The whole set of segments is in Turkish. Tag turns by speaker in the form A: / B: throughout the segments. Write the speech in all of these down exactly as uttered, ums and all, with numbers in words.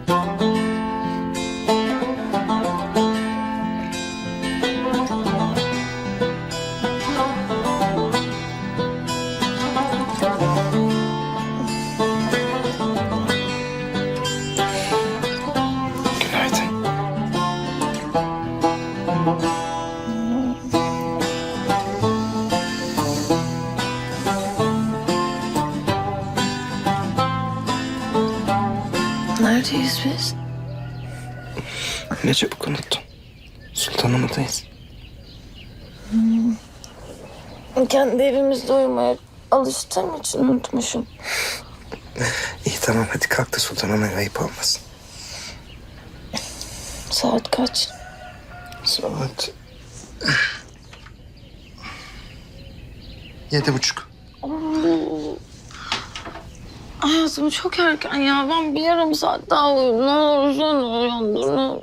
A: Neredeyiz biz?
B: Ne çabuk unuttun. Sultanahmet'teyiz.
A: Hmm. Kendi evimizde uyumaya alıştığım için unutmuşum.
B: İyi tamam hadi kalk da Sultanahmet'e ayıp olmasın.
A: Saat kaç?
B: Saat... Yedi buçuk.
A: Hayatım çok erken ya. Ben bir yarım saat daha uyuyayım. Ne olur sen uyandır. Ne olur.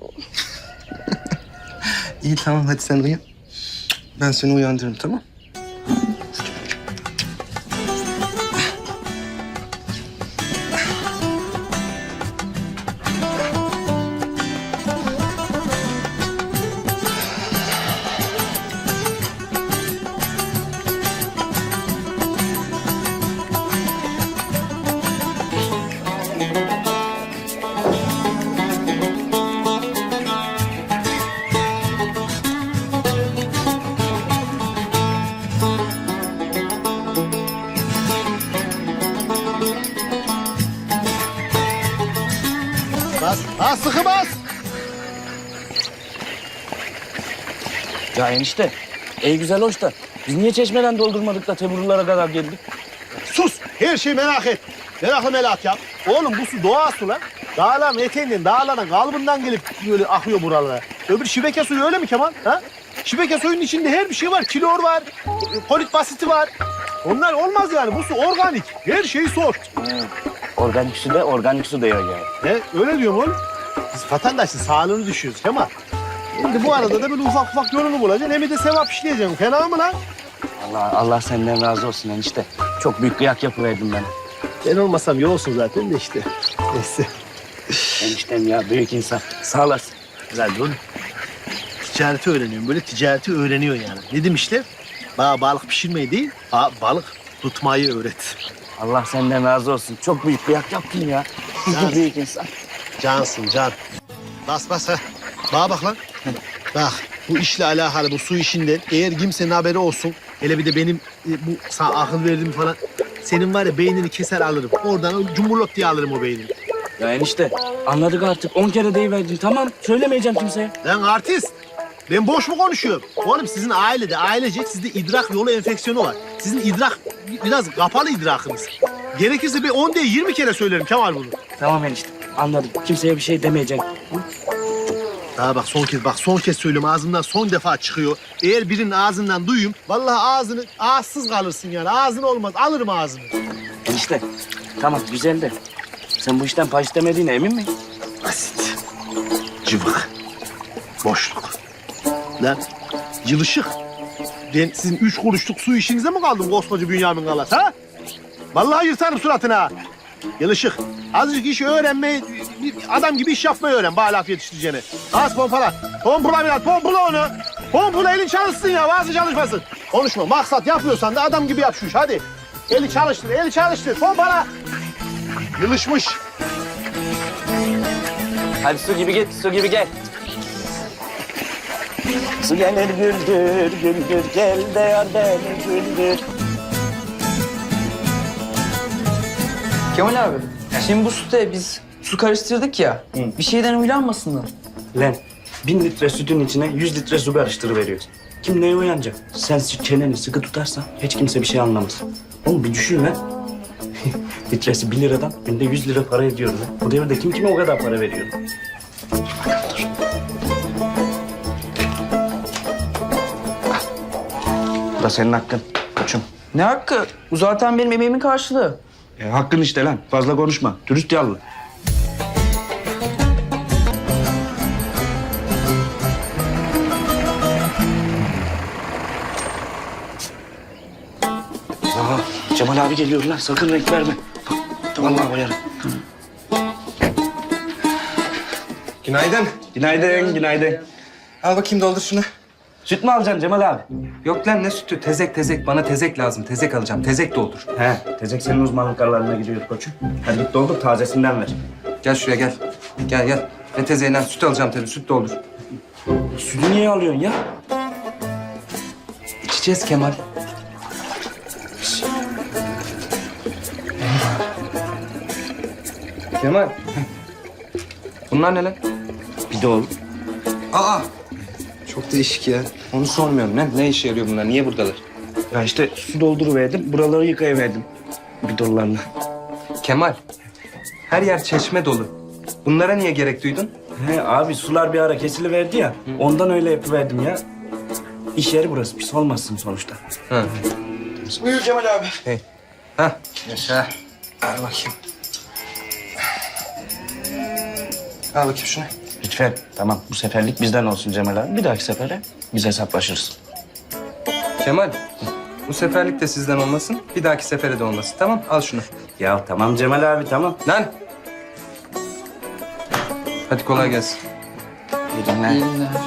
B: İyi tamam hadi sen uyan. Ben seni uyandırırım tamam.
C: Bas, bas sıkı bas.
D: Ya enişte, ey güzel hoş da biz niye çeşmeden doldurmadık da Teburlulara kadar geldik?
C: Sus, her şeyi merak et. Meraklı merak yap. Oğlum bu su doğa su lan. Dağların eteğinden, dağların kalbından gelip böyle akıyor buralara. Öbür şibeke suyu öyle mi Kemal? Ha? Şibeke suyunun içinde her bir şey var. Klor var, polit basiti var. Onlar olmaz yani. Bu su organik. Her şeyi sor.
D: He. Organik su da organik su diyor yani.
C: He, öyle diyorum oğlum. Biz vatandaşın sağlığını düşüyoruz Kemal. Şimdi bu arada da böyle ufak ufak yolunu bulacaksın. Hem de sevap işleyeceksin. Fena mı lan?
D: Allah Allah senden razı olsun enişte. Çok büyük kıyak yapıverdin bana.
C: Ben olmasam iyi olsun zaten de işte. Neyse.
D: Eniştem ya büyük insan. Sağ olasın.
C: Güzel oğlum. Ticareti öğreniyorum. Böyle ticareti öğreniyor yani. Ne demişler? Bana balık pişirmeyi değil, bana balık tutmayı öğret.
D: Allah senden razı olsun. Çok büyük kıyak yaptın ya.
C: Ya.
D: Büyük insan.
C: Cansın can. Bas bas ha. Bana bak lan. Bak bu işle alakalı bu su işinden eğer kimsenin haberi olsun. Hele bir de benim e, bu sana akıl verdiğim falan. Senin var ya beynini keser alırım. Oradan cumburlop diye alırım o beynini.
D: Ya enişte anladık artık. On kere deyiverdin. Tamam söylemeyeceğim kimseye.
C: Lan artist. Ben boş mu konuşuyorum? Oğlum sizin ailede, ailecek sizde idrak yolu enfeksiyonu var. Sizin idrak biraz kapalı idrakınız. Gerekirse bir on değil yirmi kere söylerim Kemal bunu.
D: Tamam enişte anladım. Kimseye bir şey demeyeceksin.
C: Daha bak son kez bak son kez söylüyorum ağzımdan son defa çıkıyor. Eğer birinin ağzından duyayım vallahi ağzını ağızsız kalırsın yani. Ağzın olmaz alırım ağzını.
D: Enişte tamam güzel de sen bu işten pay istemediğine emin misin?
C: Basit. Cıvık. Boşluk. Lan yılışık. Ben sizin üç kuruşluk su işinize mi kaldım koskoca Bünyamin Galas ha? Vallahi yırtarım suratına. Yılışık. Azıcık iş öğrenmeyi, bir adam gibi iş yapmayı öğren. Bana laf yetiştireceğini. Az pompala. Pompala biraz, pompala onu. Pompala elin çalışsın ya, bazı çalışmasın. Konuşma, maksat yapıyorsan da adam gibi yap şu iş, hadi. Eli çalıştır, eli çalıştır, pompala. Yılışmış.
D: Hadi su gibi git, su gibi gel. Su gelir güldür, güldür, gel de yar beni güldür.
E: Kemal abi, şimdi bu süte biz su karıştırdık ya,
D: Hı.
E: bir şeyden uylanmasınlar.
D: Lan bin litre sütün içine yüz litre su karıştırıveriyorsun. Kim neye uyanacak? Sen çeneni sıkı tutarsan hiç kimse bir şey anlamaz. Oğlum bir düşün lan. Litresi bir liradan günde yüz lira para ediyor lan. Bu devirde kim kime o kadar para veriyor? Bu da senin hakkın koçum.
E: Ne hakkı? Bu zaten benim emeğimin karşılığı.
D: E, hakkın işte lan. Fazla konuşma. Dürüst yallı. Aa, Cemal abi geliyor lan. Sakın renk verme. Bak, vallahi koyarım.
B: Günaydın.
D: Günaydın, günaydın.
B: Al bakayım doldur şunu.
D: Süt mü alacaksın Cemal abi?
B: Yok lan ne sütü? Tezek tezek. Bana tezek lazım. Tezek alacağım. Tezek doldur.
D: He, tezek senin uzmanlık alanına giriyor koçum. Hadi git doldur, tazesinden ver.
B: Gel şuraya gel. Gel gel. Ne tezeğinden süt alacağım tabii. Süt doldur.
D: Sütü niye alıyorsun ya?
B: İçeceğiz Kemal. Kemal. Bunlar ne lan?
D: Bir de oğlum.
B: Aa! Çok değişik ya. Onu sormuyorum lan. Ne işe yarıyor bunlar? Niye buradalar?
D: Ya işte su dolduruverdim, buraları yıkayıverdim. Bidonlarla.
B: Kemal. Her yer çeşme dolu. Bunlara niye gerek duydun?
D: He abi sular bir ara kesiliverdi ya, ondan öyle yapıverdim ya. İş yeri burası, pis olmazsın sonuçta.
B: Ha.
E: Buyur Cemal abi.
B: Hey. Ha. Yaşa. Al bakayım. Al bakayım şunu.
D: Lütfen, tamam bu seferlik bizden olsun Cemal abi. Bir dahaki sefere biz hesaplaşırız.
B: Kemal. Bu seferlik de sizden olmasın. Bir dahaki sefere de olmasın. Tamam? Al şunu.
D: Ya tamam Cemal abi, tamam.
B: Lan. Hadi kolay gelsin.
D: İyi günler.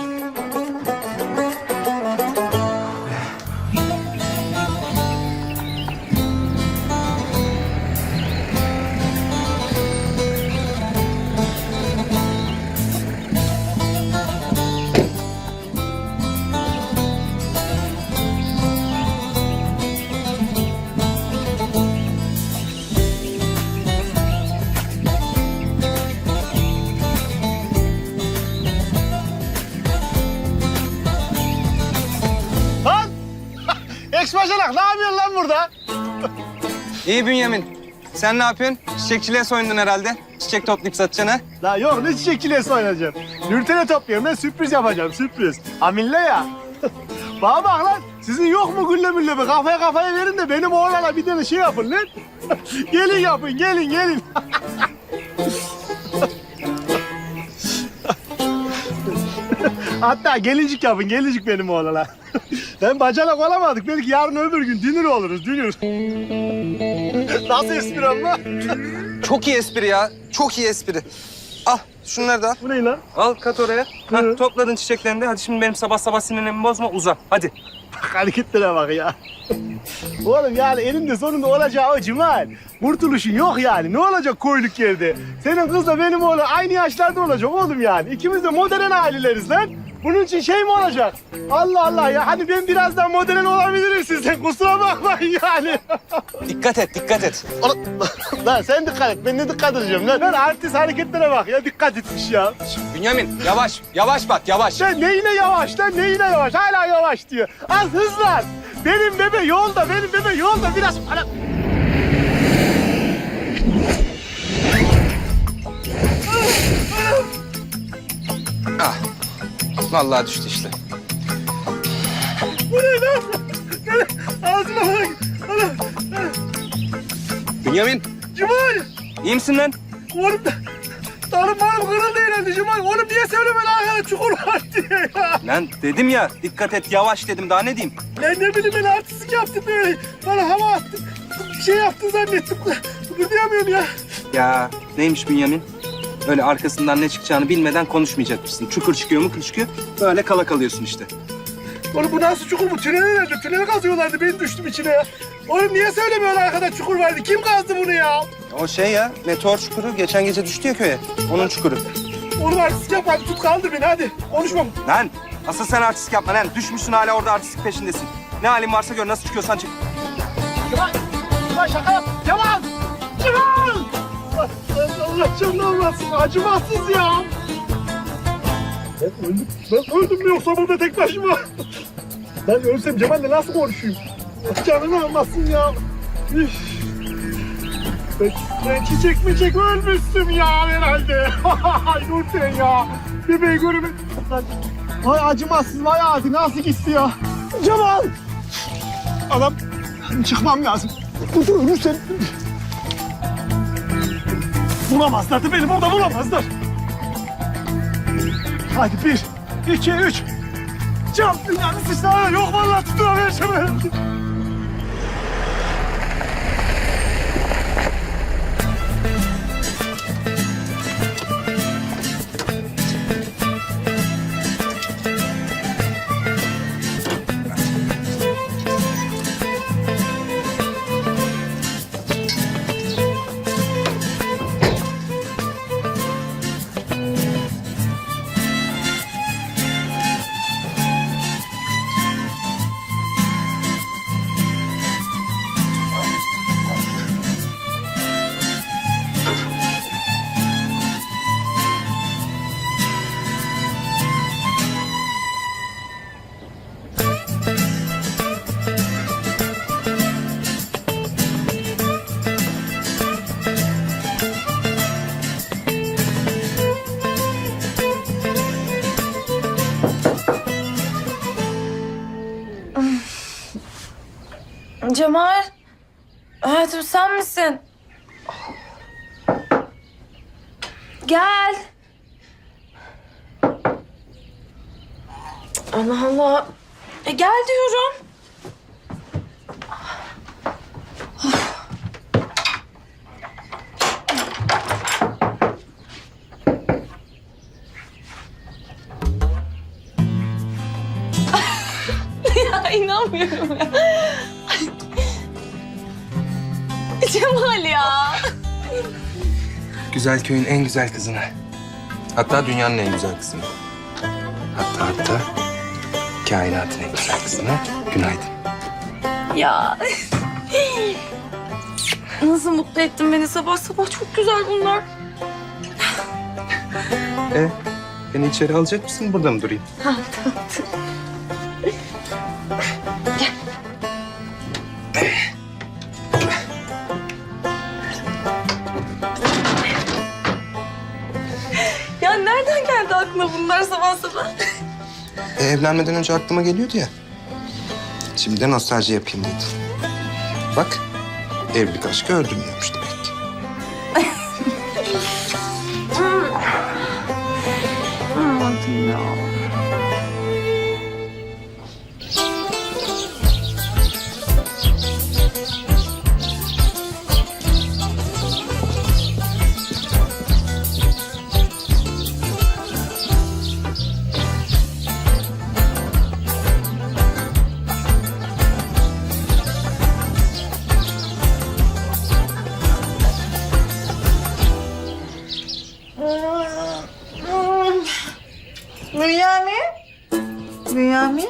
C: Lan! Eksbaşanak ne yapıyorsun lan burada?
B: İyi Bünyamin. Sen ne yapıyorsun? Çiçekçiliğe soyundun herhalde. Çiçek toplayıp satacaksın ha?
C: La yok ne çiçekçiliğe oynayacağım. Nürten'e topluyorum ben sürpriz yapacağım sürpriz. Amille ya. Bana bak lan sizin yok mu gülle mülle bir kafaya kafaya verin de benim oğlana bir tane şey yapın lan. Gelin yapın gelin gelin. Hatta gelincik yapın gelincik benim oğlana. Ben bacanak olamadık belki yarın öbür gün dünür oluruz dünür. Nasıl espri ama?
B: Çok iyi espri ya. Çok iyi espri. Al şunları da al.
C: Bu ne lan?
B: Al kat oraya. Ha,
C: Hı.
B: topladın çiçeklerini de. Hadi şimdi benim sabah sabah sinirlerimi bozma. Uza. Hadi.
C: Bak hareketlere bak ya. Oğlum yani elinde sonunda olacağı o Cemal. Kurtuluşun yok yani. Ne olacak koyluk yerde? Senin kızla benim oğlum aynı yaşlarda olacak oğlum yani. İkimiz de modern aileleriz lan. Bunun için şey mi olacak? Allah Allah ya. Hani ben biraz daha modern olabilirim sizden. Kusura bakmayın yani.
B: Dikkat et, dikkat et.
C: Oğlum, lan sen dikkat et. Ben ne dikkat edeceğim lan? Lan artist hareketlere bak ya. Dikkat etmiş ya.
B: Bünyamin yavaş. Yavaş bak yavaş.
C: Lan neyine yavaş lan neyine yavaş. Hala yavaş diyor. Az hızlan. Benim bebe yolda. Benim bebe yolda. Biraz... Ana...
B: Ah. Vallahi düştü işte.
C: Bu ne lan? Ağzıma bak. Ana.
B: Bünyamin
C: Cemal.
B: iyi misin lan?
C: Oğlum da... Tarım marım kırıldı herhalde Cemal. Oğlum niye söylemedin arkada çukur var diye ya.
B: Lan dedim ya dikkat et yavaş dedim daha ne diyeyim?
C: Ben ne bileyim ben artistlik yaptım böyle. Bana hava attın. Bir şey yaptın zannettim. Kıpırdayamıyorum ya.
B: Ya neymiş Bünyamin? Öyle arkasından ne çıkacağını bilmeden konuşmayacakmışsın. Çukur çıkıyor mu çıkıyor. Böyle kala kalıyorsun işte.
C: Oğlum bu nasıl çukur bu? Tünel nerede? Tüneli kazıyorlardı. Ben düştüm içine ya. Oğlum niye söylemiyorsun arkada çukur vardı? Kim kazdı bunu ya?
B: O şey ya meteor çukuru geçen gece düştü ya köye. Onun çukuru.
C: Oğlum artistlik yapma. Hadi tut kaldır beni hadi. Konuşmam.
B: Lan asıl sen artistlik yapma lan. Düşmüşsün hala orada artistlik peşindesin. Ne halin varsa gör nasıl çıkıyorsan çık.
C: Cemal! Cemal şaka yap! Cemal! Cemal! Allah canını almasın. Acımasız ya. Ben öldüm. Ben öldüm mü yoksa burada tek başıma? Ben ölsem Cemal'le nasıl konuşayım? Canını almasın ya. Üf. Ben, ben çiçek mi çek ölmüştüm ya herhalde. Ay Nurten ya. Bebeği görümü. Vay acımasız vay adi nasıl gitti ya. Cemal! Adam çıkmam lazım. Dur dur ölürsen. Bulamazlar da beni burada bulamazlar. Hadi bir, iki, üç. Cam dünyanın sıçrağı yok vallahi tutunamayacağım.
A: Cemal. Hayatım sen misin? Gel. Allah Allah. E gel diyorum. Ya inanmıyorum ya. Cemal ya.
B: Güzel köyün en güzel kızına. Hatta dünyanın en güzel kızına. Hatta hatta kainatın en güzel kızına günaydın.
A: Ya. Nasıl mutlu ettin beni sabah sabah. Çok güzel bunlar.
B: E, beni içeri alacak mısın? Burada mı durayım?
A: Ha, tamam. Ya nereden geldi aklına bunlar sabah sabah?
B: E, evlenmeden önce aklıma geliyordu ya. Şimdi de nostalji yapayım dedim. Bak, evlilik aşkı öldürmüyormuş demek ki.
A: Anladım ya.
F: Bünyamin? Bünyamin?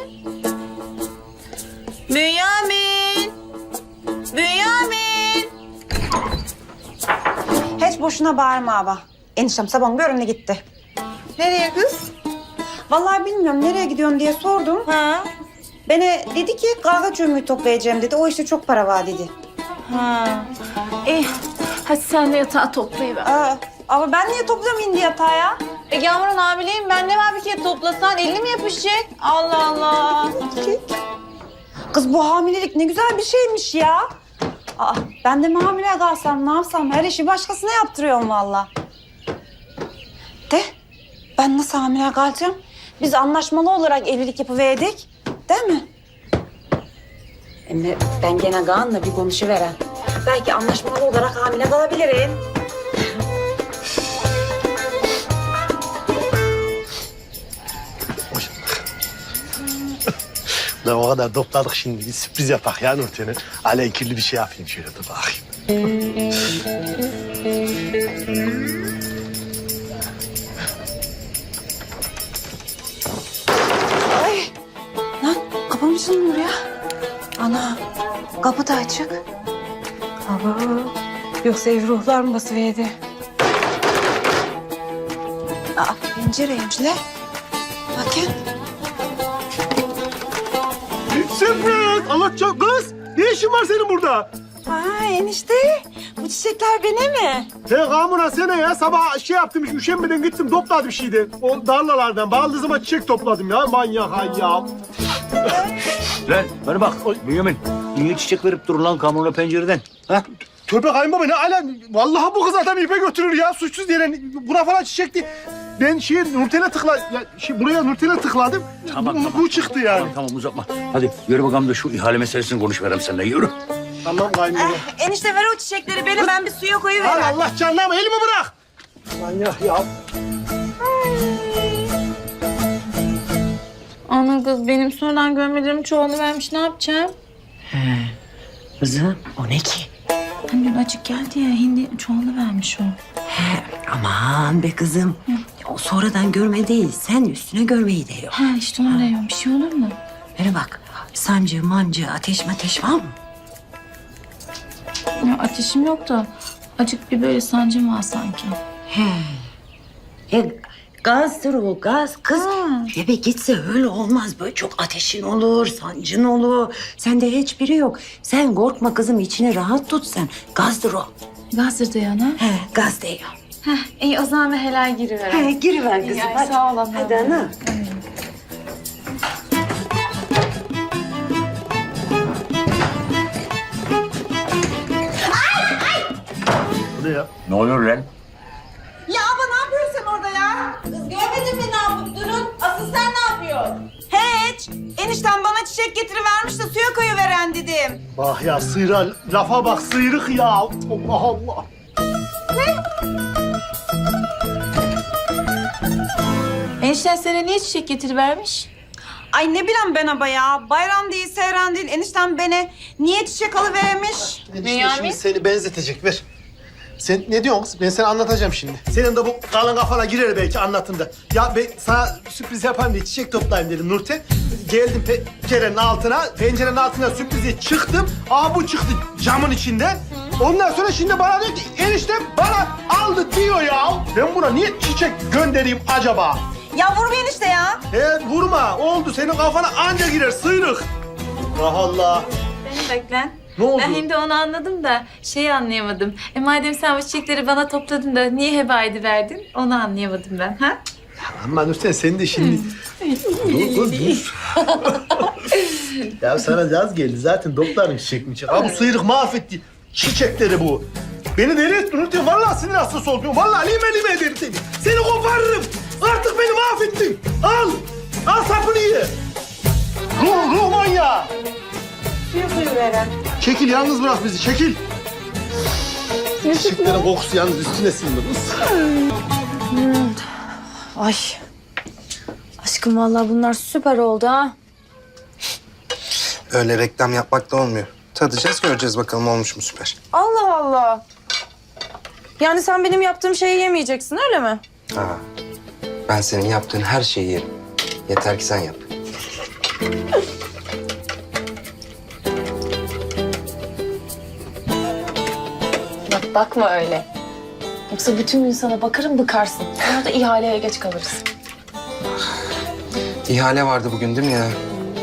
F: Bünyamin? Bünyamin?
G: Hiç boşuna bağırma abi. Eniştem sabahın bir önüne gitti.
F: Nereye kız?
G: Vallahi bilmiyorum nereye gidiyorsun diye sordum.
F: Ha?
G: Bana dedi ki kahve çömüğü toplayacağım dedi. O işte çok para var dedi.
F: Ha.
A: İyi. Hadi sen de yatağı toplayıver.
G: Aa, ama ben niye topluyorum indi yatağa ya?
F: E Yağmur'un abileyim ben ne var bir kere toplasan elini mi yapışacak? Allah Allah.
G: Kız bu hamilelik ne güzel bir şeymiş ya. Aa, ben de mi hamile kalsam ne yapsam her işi başkasına yaptırıyorum vallahi. De ben nasıl hamile kalacağım? Biz anlaşmalı olarak evlilik yapıverdik. Değil mi? Ama ben gene Kaan'la bir konuşuverem. Belki anlaşmalı olarak hamile kalabilirim.
C: Ben o kadar topladık şimdi. Bir sürpriz yapak ya Nurten'e. Aleykirli bir şey yapayım şöyle dur bakayım.
G: Ay! Lan kapı mı çalınıyor ya? Ana kapı da açık. Aba, yoksa ev ruhlar mı basıverdi? Aa, pencereymiş lan. Bakın.
C: Sürpriz! Anlatacağım kız. Ne işin var senin burada?
G: Aa enişte, bu çiçekler bana mi?
C: He Kamura sene ya sabah şey yaptım hiç üşenmeden gittim topladım şeyden. O darlalardan baldızıma çiçek topladım ya manyak ay ya.
H: Lan bana bak Bünyamin. Niye çiçek verip durun lan kamyona pencereden? Ha?
C: Tövbe kayınbaba ne ala vallahi bu kız adam ipe götürür ya suçsuz diye buna falan çiçek değil. Ben şey Nurten'e tıkla ya şey, buraya Nurten'e tıkladım.
H: Tamam,
C: bu,
H: tamam.
C: bu çıktı yani.
H: Tamam, tamam uzatma. Hadi yürü bakalım da şu ihale meselesini konuşverem seninle yürü.
C: Tamam kayınbaba.
G: Enişte ver o çiçekleri bana, ben bir suya koyuvereyim.
C: Al Allah canına elimi bırak. Manyak ya.
A: Ana kız benim sonradan görmelerim çoğunu vermiş. Ne yapacağım?
I: Kızım o ne ki?
A: Hani dün açık geldi ya hindi çoğunu vermiş o.
I: He, aman be kızım. O sonradan görme değil. Sen üstüne görmeyi diyor.
A: Ha işte onu diyorum. Bir şey olur mu?
I: Bana bak. Sancı, mancı, ateş ateş var mı?
A: Ya ateşim yok da acık bir böyle sancım var sanki.
I: He. E, gazdır o gaz kız. Eve gitse öyle olmaz. Böyle çok ateşin olur, sancın olur. Sende hiçbiri yok. Sen korkma kızım, içini rahat tut sen. Gazdır o.
A: Gazdır da yana.
I: He, gaz diyor.
A: İyi o zaman bir helal giriver.
I: He, giriver kızım.
A: ay,
I: hadi.
A: sağ ol ana.
I: Hadi ana.
C: Ne ya?
H: Ne oluyor lan?
G: Ya abla ne yapıyorsun sen orada ya?
F: Kız görmedin mi ne yapıp durun? Asıl sen ne yapıyorsun?
G: Hiç. Enişten bana çiçek getirivermiş de suya koyuveren dedim.
C: Bak ya sıyra, lafa bak sıyrık ya. Allah Allah.
F: Enişten sana niye çiçek getirivermiş?
G: Ay ne bileyim ben abla ya. Bayram değil, seyran değil. Enişten bana niye çiçek alıvermiş?
C: Enişte şimdi seni benzetecek ver. Sen ne diyorsun kız? Ben sana anlatacağım şimdi. Senin de bu kalın kafana girer belki anlatında. Ya ben sana sürpriz yapayım diye çiçek toplayayım dedim Nurten. Geldim pencerenin altına, pencerenin altına sürprize çıktım. Aa bu çıktı camın içinden. Ondan sonra şimdi bana diyor ki eniştem bana aldı diyor ya. Ben buna niye çiçek göndereyim acaba?
G: Ya vur bir enişte ya.
C: He vurma oldu senin kafana anca girer sıyrık. Allah Allah.
J: Beni beklen.
C: Ne oldu?
J: Ben şimdi onu anladım da şeyi anlayamadım. E madem sen bu çiçekleri bana topladın da niye heba ediverdin? Onu anlayamadım ben. Ha?
C: Ama Nurten sen de şimdi... dur, dur, dur. Ya sana caz geldi. Zaten doktorun çiçek mi çiçek? Ha bu sıyrık mahvetti çiçekleri bu. Beni deli ettin Nurten. Vallahi sinir hastası oldum. Vallahi lime lime ederim seni. Seni koparırım. Artık beni mahvettin. Al. Al sapını ye. Ruh, ruh manyağı.
G: Suya koyuveren.
C: Çekil yalnız bırak bizi. Çekil. Çiçeklerin kokusu yalnız üstüne sindi kız.
A: Ay. Aşkım vallahi bunlar süper oldu ha.
B: Öyle reklam yapmak da olmuyor. Tadacağız, göreceğiz bakalım olmuş mu süper.
A: Allah Allah. Yani sen benim yaptığım şeyi yemeyeceksin öyle mi?
B: Ha. Ben senin yaptığın her şeyi yerim. Yeter ki sen yap.
A: Bak bakma öyle. Yoksa bütün gün sana bakarım bıkarsın. Sonra da ihaleye geç kalırız.
B: İhale vardı bugün değil mi ya?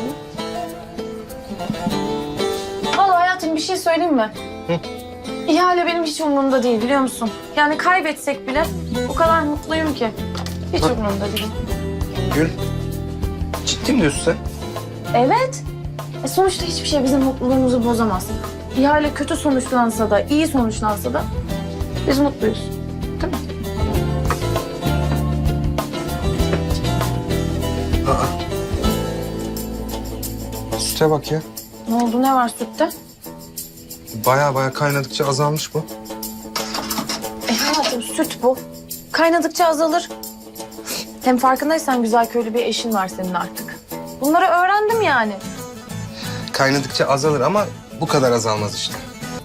A: Vallahi hayatım bir şey söyleyeyim mi?
B: Hı?
A: İhale benim hiç umurumda değil biliyor musun? Yani kaybetsek bile o kadar mutluyum ki. Hiç
B: Bak.
A: umurumda değil.
B: Gül, ciddi mi diyorsun sen?
A: Evet. E sonuçta hiçbir şey bizim mutluluğumuzu bozamaz. İhale kötü sonuçlansa da, iyi sonuçlansa da biz mutluyuz. Değil mi?
B: Süte bak ya.
A: Ne oldu, ne var sütte?
B: Baya baya kaynadıkça azalmış bu.
A: E hayatım süt bu. Kaynadıkça azalır. Hem farkındaysan güzel köylü bir eşin var senin artık. Bunları öğrendim yani.
B: Kaynadıkça azalır ama bu kadar azalmaz işte.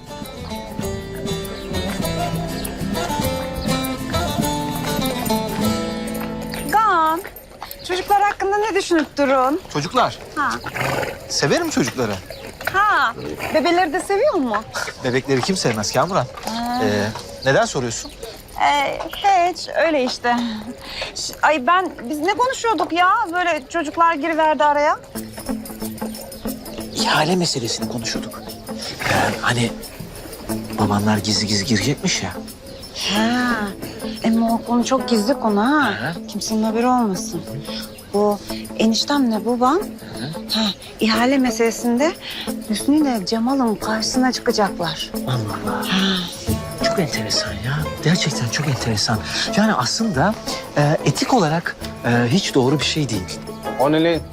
G: Gan. Çocuklar hakkında ne düşünüp durun?
E: Çocuklar.
G: Ha.
E: Severim çocukları.
G: Ha. Bebeleri de seviyor mu?
E: Bebekleri kim sevmez Kamuran? Ee, neden soruyorsun?
G: Ee, hiç öyle işte. Ş- Ay ben biz ne konuşuyorduk ya? Böyle çocuklar giriverdi araya.
E: İhale meselesini konuşuyorduk. Yani hani babanlar gizli gizli girecekmiş ya.
G: Ha. Ama o konu çok gizli konu ha.
E: Hı.
G: Kimsenin haberi olmasın. Bu eniştemle babam ha, ihale meselesinde Hüsnü ile Cemal'ın karşısına çıkacaklar.
E: Allah Allah. Çok enteresan ya. Gerçekten çok enteresan. Yani aslında e, etik olarak e, hiç doğru bir şey değil.
K: O ne lan?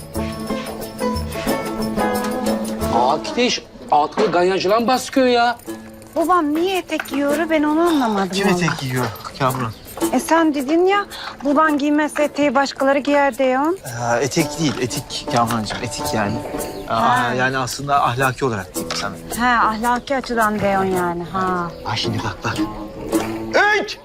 K: Akideş, altını ganyancılan baskıyor ya.
G: Babam niye etek giyiyor ben onu anlamadım.
E: Kim
G: vallahi.
E: etek giyiyor Kamuran?
G: E sen dedin ya baban giymezse eteği başkaları giyer diyorsun.
E: Aa, etek değil, etik Kamurancığım, etik yani. Aa, yani aslında ahlaki olarak diyeyim sana.
G: He ahlaki açıdan diyorsun yani ha.
E: Ha şimdi bak bak.
H: Üç!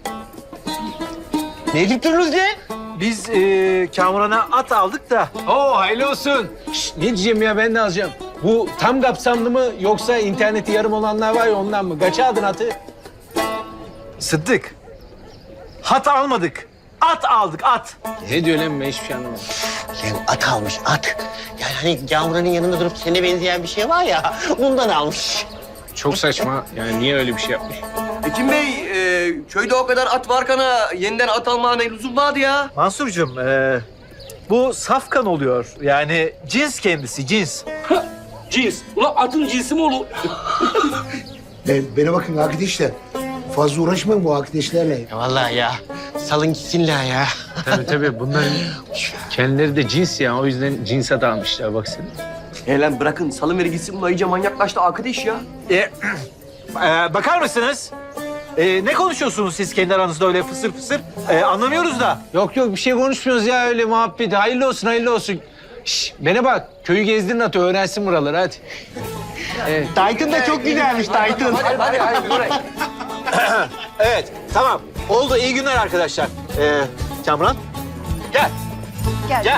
H: Ne edip durunuz lan?
C: Biz e, Kamuran'a at aldık da.
K: Oo hayırlı olsun. Şşt, ne diyeceğim ya ben de alacağım. Bu tam kapsamlı mı yoksa interneti yarım olanlar var ya ondan mı? Kaça aldın atı?
C: Sıddık. Hat almadık. At aldık at.
K: Ne diyor lan ben hiçbir şey anlamadım.
H: Lan at almış at. Yani hani Kamuran'ın yanında durup sana benzeyen bir şey var ya bundan almış.
K: Çok saçma. Yani niye öyle bir şey yapmış?
L: Ekim Bey, e, köyde o kadar at varkana yeniden at almaya ne lüzum vardı ya?
C: Mansurcuğum e, bu safkan oluyor. Yani cins kendisi cins.
K: Cins. Ulan atın cinsi mi olur?
C: Ben, bana bakın arkadaşlar.
M: fazla uğraşmayın bu arkadaşlarla.
H: Ya vallahi ya. Salın gitsinler ya.
K: Tabii tabii bunların kendileri de cins ya. O yüzden cinse dalmışlar baksana.
L: He lan bırakın salıveri gitsin, bu iyice manyaklaştı arkadaş ya.
E: E, e, bakar mısınız? E, ne konuşuyorsunuz siz kendi aranızda öyle fısır fısır? E, anlamıyoruz da.
K: Yok yok bir şey konuşmuyoruz ya öyle muhabbet. Hayırlı olsun hayırlı olsun. Şş, bana bak köyü gezdirin atı öğrensin buraları hadi. Evet.
C: Titan da çok güzelmiş Titan.
L: Hadi hadi hadi buraya.
E: Evet, tamam. Oldu. İyi günler arkadaşlar. Ee, Kamran, gel.
G: Gel.
E: Gel.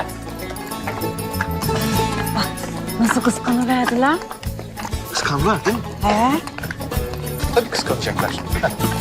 G: Nasıl kıskanıverdiler?
E: Kıskandılar değil mi?
G: He?
E: Tabii kıskanacaklar.